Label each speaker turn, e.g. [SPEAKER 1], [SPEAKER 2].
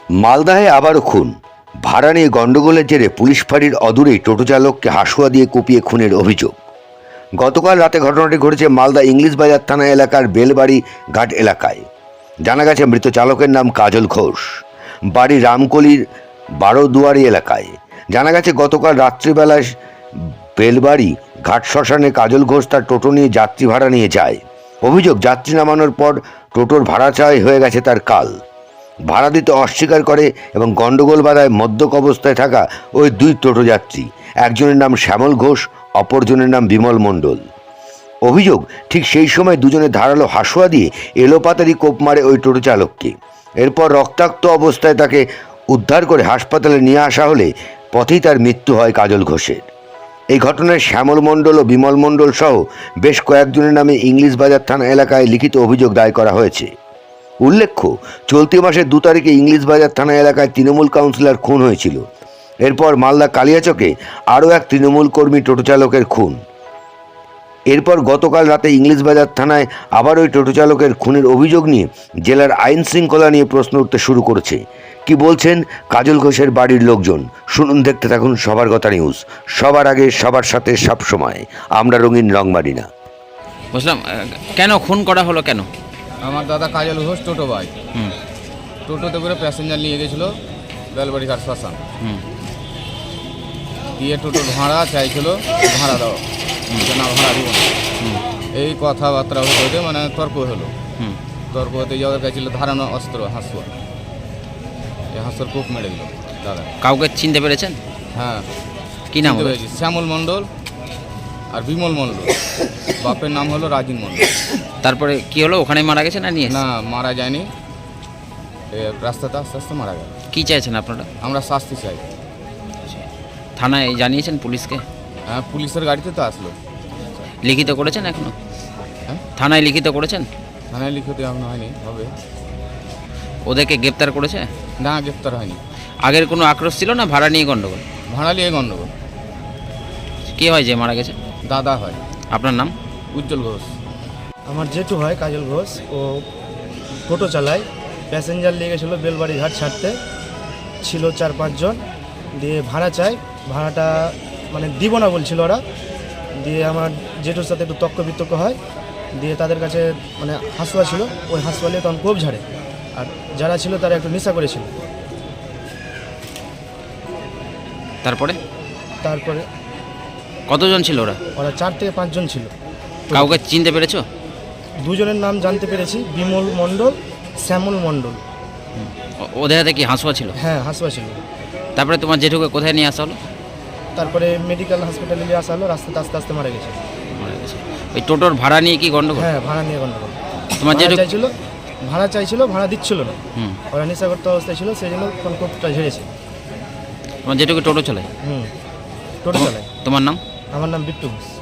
[SPEAKER 1] মালদাহে আবারও খুন। ভাড়া নিয়ে গণ্ডগোলের জেরে পুলিশ ফাঁড়ির অদূরেই টোটো চালককে হাসুয়া দিয়ে কুপিয়ে খুনের অভিযোগ। গতকাল রাতে ঘটনাটি ঘটেছে মালদা ইংলিশ বাজার থানা এলাকার বেলবাড়ি ঘাট এলাকায়। জানা গেছে মৃত চালকের নাম কাজল ঘোষ, বাড়ি রামকলির বারোদুয়ারি এলাকায়। জানা গেছে গতকাল রাত্রিবেলায় বেলবাড়ি ঘাট শ্মশানে কাজল ঘোষ তার টোটো নিয়ে যাত্রী ভাড়া নিয়ে যায়। অভিযোগ, যাত্রী নামানোর পর টোটোর ভাড়া চাই হয়ে গেছে তার কাল। ভাড়া দিতে অস্বীকার করে এবং গণ্ডগোল বাধায় মদ্যপ অবস্থায় থাকা ওই দুই টোটো যাত্রী, একজনের নাম শ্যামল ঘোষ, অপরজনের নাম বিমল মণ্ডল। অভিযোগ, ঠিক সেই সময় দুজনে ধারালো হাসুয়া দিয়ে এলোপাতাড়ি কোপ মারে ওই টোটো চালককে। এরপর রক্তাক্ত অবস্থায় তাকে উদ্ধার করে হাসপাতালে নিয়ে আসা হলে পথেই তার মৃত্যু হয় কাজল ঘোষের। এই ঘটনায় শ্যামল মণ্ডল ও বিমল মণ্ডল সহ বেশ কয়েকজনের নামে ইংলিশ বাজার থানা এলাকায় লিখিত অভিযোগ দায়ের করা হয়েছে। উল্লেখ্য, চলতি মাসের 2 তারিখে ইংলিশ বাজার থানা এলাকায় তৃণমূল কাউন্সিলর খুন হয়েছিল। এরপর মালদা কালিয়াচকে আরও এক তৃণমূল কর্মী টোটো চালকের খুন। এরপর গতকাল রাতে ইংলিশ বাজার থানায় আবার ওই টোটো চালকের খুনের অভিযোগ নিয়ে জেলার আইন শৃঙ্খলা নিয়ে প্রশ্ন উঠতে শুরু করেছে। কি বলছেন কাজল ঘোষের বাড়ির লোকজন, শুনুন, দেখতে থাকুন সবার কথা নিউজ। সবার আগে, সবার সাথে, সব সময়। আমরা রঙিন, রং মারি না।
[SPEAKER 2] বুঝলাম। কেন খুন করা হলো কেন?
[SPEAKER 3] আমার দাদা কাজল ঘোষ টোটো ভাই, টোটোতে করে প্যাসেঞ্জার নিয়ে গেছিলো বেলবাড়ি ঘাট শ্মশান। দিয়ে টোটোর ভাড়া চাইছিল, ভাড়া দাও, না ভাড়া দিব না, এই কথাবার্তা হতে মানে তর্ক হলো। তর্ক হতে যাওয়ার কাছিল ধারানো অস্ত্র হাসুয়া, এই হাসুয়ার কোপ মেরে দিল দাদা।
[SPEAKER 2] কাউকে চিনতে পেরেছেন?
[SPEAKER 3] হ্যাঁ,
[SPEAKER 2] কি নাম?
[SPEAKER 3] শ্যামল মণ্ডল আর বিমল মণ্ডল। বাপের নাম হলো রাজিন মণ্ডল।
[SPEAKER 2] তারপরে কি হলো? ওখানে মারা গেছে না নিয়ে?
[SPEAKER 3] না, মারা যায়নি, রাস্তাতে আস্তে আস্তে মারা গেল।
[SPEAKER 2] কি চাইছেন আপনারা?
[SPEAKER 3] আমরা শাস্তি চাই।
[SPEAKER 2] থানায় জানিয়েছেন পুলিশকে?
[SPEAKER 3] হ্যাঁ, পুলিশের গাড়িতে তো আসলো।
[SPEAKER 2] লিখিত করেছেন এখনো?
[SPEAKER 3] হ্যাঁ,
[SPEAKER 2] থানায় লিখিত করেছেন?
[SPEAKER 3] থানায় লিখিত এখনো হয়নি, হবে।
[SPEAKER 2] ওদেরকে গ্রেপ্তার করেছে?
[SPEAKER 3] না, গ্রেপ্তার হয়নি।
[SPEAKER 2] আগের কোনো আক্রোশ ছিল না ভাড়া নিয়ে গন্ডগোল?
[SPEAKER 3] ভাড়া নিয়ে গণ্ডগোল।
[SPEAKER 2] কে হয় যে মারা গেছে?
[SPEAKER 3] দাদা হয়।
[SPEAKER 2] আপনার নাম?
[SPEAKER 3] উজ্জ্বল ঘোষ।
[SPEAKER 4] আমার জেঠু হয় কাজল ঘোষ। ও টোটো চালায়, প্যাসেঞ্জার নিয়ে গেছিলো বেলবাড়ি ঘাট ছাড়তে, ছিল 4-5 জন। দিয়ে ভাড়া চাই, ভাড়াটা মানে দিব না বলছিল ওরা। দিয়ে আমার জেঠুর সাথে একটু তর্ক বিতর্ক হয়। দিয়ে তাদের কাছে মানে হাসুয়া ছিল, ওই হাসুয়া নিয়ে তখন কোপ ঝাড়ে। আর যারা ছিল তারা একটু নেশা করেছিল।
[SPEAKER 2] তারপরে কতজন ছিল ওরা?
[SPEAKER 4] 4 থেকে 5 জন ছিল।
[SPEAKER 2] কাউকে চিনতে পেরেছো?
[SPEAKER 4] 2 জনের নাম জানতে পেরেছি, বিমল মণ্ডল, শ্যামল মণ্ডল।
[SPEAKER 2] ওদের হাতে কি হাসুয়া ছিল?
[SPEAKER 4] হ্যাঁ, হাসুয়া ছিল।
[SPEAKER 2] তারপরে তোমার জেঠুকে কোথায় নিয়ে আসা হলো?
[SPEAKER 4] তারপরে মেডিকেল হসপিটালে নিয়ে আসা হলো, রাস্তাতে আস্তে আস্তে মারা গেছে।
[SPEAKER 2] মারা গেছে। ওই টোটোর ভাড়া নিয়ে কি গন্ডগোল?
[SPEAKER 4] হ্যাঁ, ভাড়া নিয়ে গন্ডগোল।
[SPEAKER 2] তোমার জেঠু
[SPEAKER 4] ভাড়া চাইছিল, ভাড়া দিচ্ছিল না। ওরা নেশাগ্রস্ত অবস্থায় ছিল, সেই জন্য কোপটা ঝেড়েছে।
[SPEAKER 2] তোমার জেঠুকে টোটো চালায়?
[SPEAKER 4] টোটো চালায়।
[SPEAKER 2] তোমার নাম?
[SPEAKER 4] আমার নাম বিট্টু ঘোষ।